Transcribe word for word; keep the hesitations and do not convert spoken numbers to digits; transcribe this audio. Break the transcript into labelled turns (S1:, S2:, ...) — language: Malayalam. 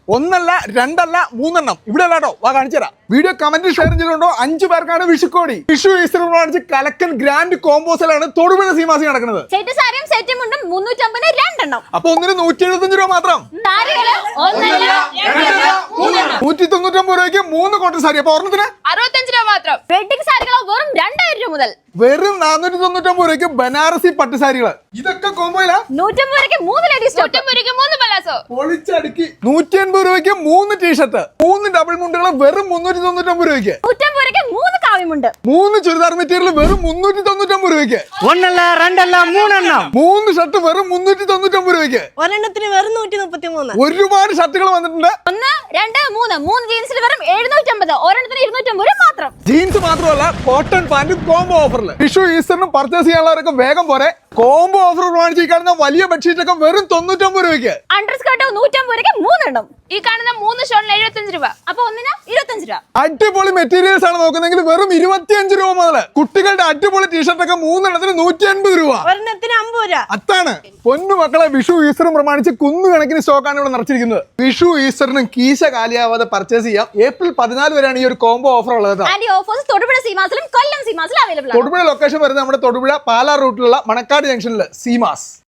S1: ഒന്നല്ല രണ്ടല്ല മൂന്നെണ്ണം ഇവിടെ അല്ലാട്ടോ വാ കാണിച്ചു തരാം. വീഡിയോ കമന്റ് ഷെയർ ചെയ്തിട്ടുണ്ടോ അഞ്ചു പേർക്കാണ് വിഷുക്കോടി. വിഷു ഈസ്റ്റർ കാണിച്ച് കലക്കൻ ഗ്രാൻഡ് കോമ്പോസിലാണ് തൊടുപുഴ സീമാസി നടക്കുന്നത്.
S2: സെറ്റ് സാരിയും സെറ്റും മുണ്ടും മുന്നൂറ്റമ്പത് രണ്ടെണ്ണം.
S1: അപ്പൊ ഒന്നിന് നൂറ്റി എഴുപത്തഞ്ച് രൂപ മാത്രം. നൂറ്റി തൊണ്ണൂറ്റൊമ്പത് രൂപയ്ക്ക് മൂന്ന് കോട്ടൺ സാരി. അപ്പൊ ഒരെണ്ണത്തിന്
S2: അറുപത്തഞ്ച് രൂപ മാത്രം. വെഡിങ് സാരികളോ വെറും രണ്ടായിരം രൂപ മുതൽ.
S1: വെറും നാനൂറ്റി തൊണ്ണൂറ്റൊമ്പത് രൂപയ്ക്ക് ബനാറസി പട്ട് സാരികള്. ഇതൊക്കെ കോമ്പോയില
S2: നൂറ്റമ്പത് രൂപയ്ക്ക് മൂന്ന് ലേഡീസ് നൂറ്റമ്പത് രൂപയ്ക്ക് മൂന്ന് പലാസോ.
S1: പൊളിച്ചടുക്കി നൂറ്റി അൻപത് രൂപയ്ക്ക് മൂന്ന് ടീഷർട്ട്, മൂന്ന് ഡബിൾ മുണ്ടുകൾ വെറും മുന്നൂറ്റി തൊണ്ണൂറ്റൊമ്പത് രൂപയ്ക്ക്.
S2: നൂറ്റമ്പത് രൂപയ്ക്ക് മൂന്ന് കാവ്യമുണ്ട്.
S1: മൂന്ന് ചുരിദാർ മെറ്റീരിയൽ വെറും മുന്നൂറ്റി തൊണ്ണൂറ്റൊമ്പത് രൂപയ്ക്ക്.
S3: ഒന്നല്ല രണ്ടല്ല മൂന്നെണ്ണം.
S1: മൂന്ന് ഷർട്ട് വെറും മുന്നൂറ്റി തൊണ്ണൂറ്റൊമ്പത് രൂപയ്ക്ക്.
S4: ഒരെണ്ണത്തിന് വെറും നൂറ്റി മുപ്പത്തി മൂന്ന്.
S1: ഒരുപാട് ഷർട്ടുകൾ വന്നിട്ടുണ്ട്.
S2: ഒന്ന് രണ്ട് മൂന്ന് മൂന്ന് ജീൻസിൽ വെറും എഴുന്നൂറ്റമ്പത്, ഒരെണ്ണത്തിന് ഇരുന്നൂറ്റമ്പത് രൂപ മാത്രം.
S1: ജീൻസ് മാത്രമല്ല കോട്ടൺ പാന്റും കോംബോ ഓഫറിൽ. വിഷു ഈസ്റ്ററിനും പർച്ചേസ് ചെയ്യാനുള്ളവരൊക്കെ വേഗം പോരെ. കോംബോ ഓഫർ പ്രമാണിച്ച് ഈ കാണുന്ന വലിയ ബെഡ്ഷീറ്റ് ഒക്കെ വെറും തൊണ്ണൂറ്റൊമ്പത് രൂപയ്ക്ക്.
S2: അണ്ടർ സ്കർട്ടോ നൂറ്റമ്പത് രൂപയ്ക്ക് മൂന്നെണ്ണം. ഈ കാണുന്ന മൂന്ന് ഷോളിന് എഴുപത്തഞ്ച് രൂപ. അപ്പൊ ഒന്നിന് ഇരുപത്തഞ്ച് രൂപ.
S1: അടിപൊളി മെറ്റീരിയൽസ് ആണ് നോക്കുന്നെങ്കിൽ വെറും ഇരുപത്തിയഞ്ച് രൂപ മുതൽ. കുട്ടികളുടെ അടിപൊളി ടീഷർട്ട് ഒക്കെ മൂന്നെണ്ണത്തിന് നൂറ്റി അൻപത് രൂപ.
S4: ഒരെണ്ണത്തിന് അമ്പത് രൂപ.
S1: അതാണ് പൊന്നു മക്കളെ. വിഷു ഈസ്റ്ററും പ്രമാണിച്ച് കുന്നുകണക്കിന് സ്റ്റോക്കാണ് ഇവിടെ നിറച്ചിരിക്കുന്നത്. വിഷു ഈസ്റ്ററിനും കീശ കാലിയാവാതെ പർച്ചേസ് ചെയ്യാം. ഏപ്രിൽ പതിനാല് വരെയാണ് ഈ ഒരു കോംബോ ഓഫർ ഉള്ളത്.
S2: ആൻഡ് ഈ ഓഫേഴ്സ് തൊടുപുഴ സീമാസിലും കൊല്ലം സീമാസിലും അവൈലബിൾ ആണ്.
S1: തൊടുപുഴ ലൊക്കേഷൻ വരുന്നത് നമ്മുടെ തൊടുപുഴ പാലാ റൂട്ടിലുള്ള മണക്കാട് ജംഗ്ഷനിൽ സീമാസ്.